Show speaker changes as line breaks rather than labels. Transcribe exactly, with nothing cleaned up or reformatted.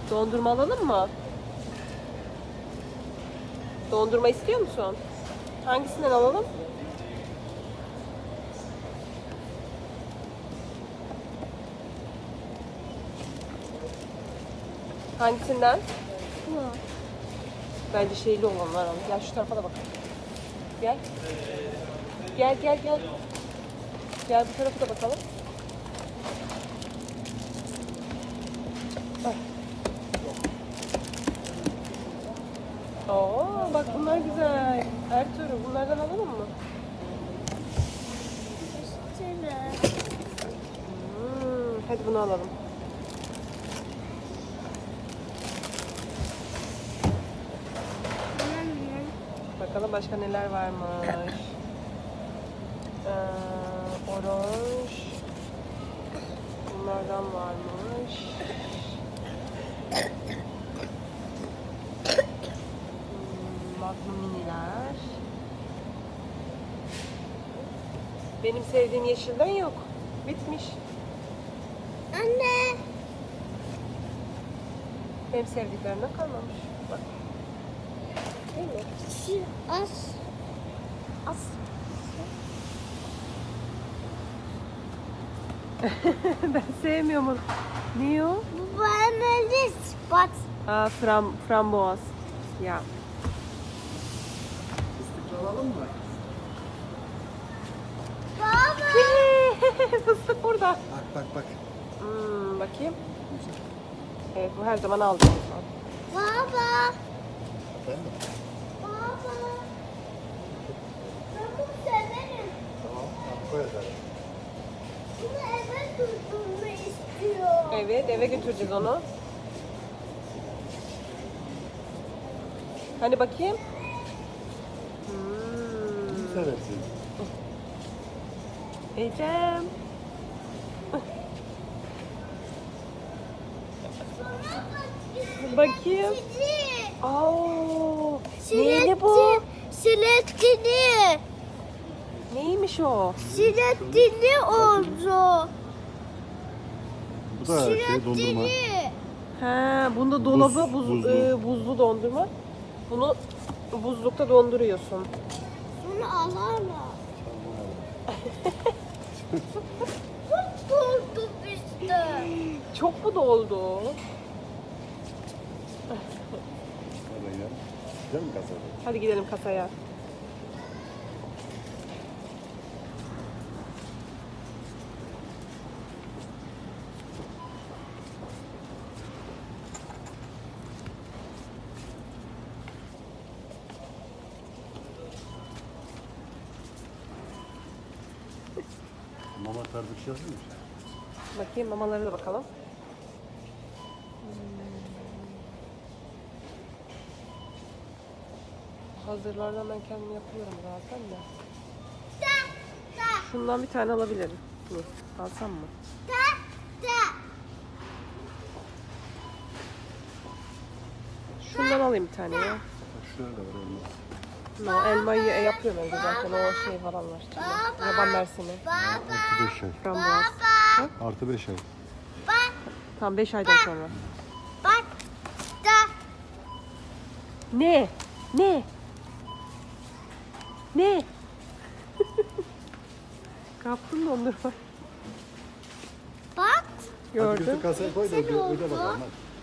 Dondurma alalım mı? Dondurma istiyor musun? Hangisinden alalım? Hangisinden?
Bu.
Bence şeyli olanlar alalım. Gel şu tarafa da bakalım. Gel. Gel gel gel. Gel bu tarafa da bakalım. Bak. Oo, bak bunlar güzel. Ertuğrul bunlardan alalım mı?
İsterim.
Hmm, hadi bunu alalım. Bakalım başka neler varmış. Ee, oranj. Bunlardan varmış. Hmm, Magnum miniler. Benim sevdiğim yeşilden yok. Bitmiş.
Anne.
Benim sevdiklerimden kalmamış. Bak. Değil mi?
Şu az. Az.
Ben sevmiyorum onu. Ne o?
Bu bana bat.
Aa, fram, framboaz. Ya.
Fıstık alalım mı?
Baba.
Fıstık burada.
Bak bak bak.
Hmm, bakayım. Evet bu her zaman aldığım.
Baba.
Efendim?
Baba. Ben bunu severim.
Tamam. Tamam koy hadi.
Bunu eve götürme istiyorum.
Evet eve götüreceğiz onu. Hani bakayım. Hmm.
Kim seversin?
Ecem. Bakayım.
Sizi.
Oo. Neyli bu?
Silettini.
Neymiş o?
Silettini oldu.
Bu da şey dondurma.
Silettini.
Ha, bunda dolabı
Buz,
buz,
buzlu.
e, buzlu dondurma. Bunu buzlukta donduruyorsun.
Bunu alalım. Çok korktum işte.
Çok mu doldu?
Hadi ya. Güzel mi kasada?
Hadi gidelim kasaya.
Mama tarzı bir şey yazılmış.
Bakayım mamalara da bakalım. Hazırlardan ben kendim yapıyorum zaten de.
Ta ta
Şundan bir tane alabilirim. Dur, alsam mı?
ta ta.
Şundan alayım bir tane ya.
Bak şöyle de var elmas.
No, elmayı e, yapıyorum evde zaten o şey falan var.
Baba.
Yaban mersini.
Baba.
Artı beş ay.
Frambuaz.
Baba.
Artı beş ay.
Bak.
Tam beş aydan sonra.
Bak. Ta.
Ne? Ne? Ne? Kaptın dondurma.
Bak.
Hadi götür
Gördüm.
kasaya koy da öde, öde bakalım hadi.